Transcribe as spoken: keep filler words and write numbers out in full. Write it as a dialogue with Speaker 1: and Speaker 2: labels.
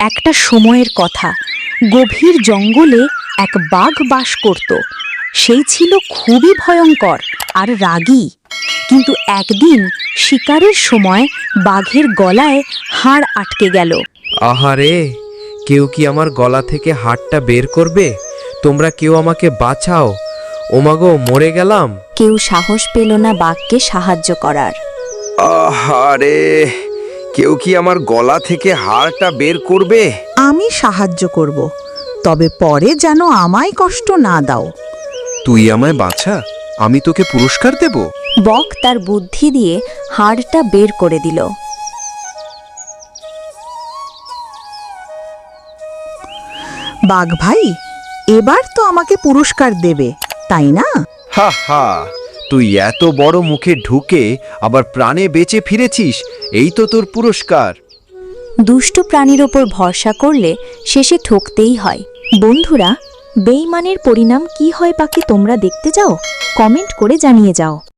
Speaker 1: একটা সময়ের কথা। গভীর জঙ্গলে এক বাঘ বাস করত। সেই ছিল খুবই ভয়ঙ্কর আর রাগী। কিন্তু একদিন শিকারের সময় বাঘের গলায় হাড় আটকে গেল।
Speaker 2: আহারে, কেউ কি আমার গলা থেকে হাড়টা বের করবে? তোমরা কেউ আমাকে বাঁচাও। ওমাগো, মরে গেলাম।
Speaker 1: কেউ সাহস পেল না বাঘকে সাহায্য করার।
Speaker 2: আহারে, কেউ কি আমার গলা থেকে হাড়টা বের করবে?
Speaker 3: আমি সাহায্য করব, তবে পরে যেন আমায় কষ্ট না দাও।
Speaker 2: তুই আমায় বাঁচা, আমি তোকে পুরস্কার দেব।
Speaker 1: বক তার বুদ্ধি দিয়ে হাড়টা বের করে দিল।
Speaker 3: বাঘ ভাই, এবার তো আমাকে পুরস্কার দেবে, তাই না?
Speaker 2: হা হা, তুই এত বড় মুখে ঢুকে আবার প্রাণে বেঁচে ফিরেছিস, এই তো তোর পুরস্কার।
Speaker 1: দুষ্ট প্রাণীর ওপর ভরসা করলে শেষে ঠকতেই হয়। বন্ধুরা, বেঈমানের পরিণাম কি হয় বাকি তোমরা দেখতে যাও? কমেন্ট করে জানিয়ে যাও।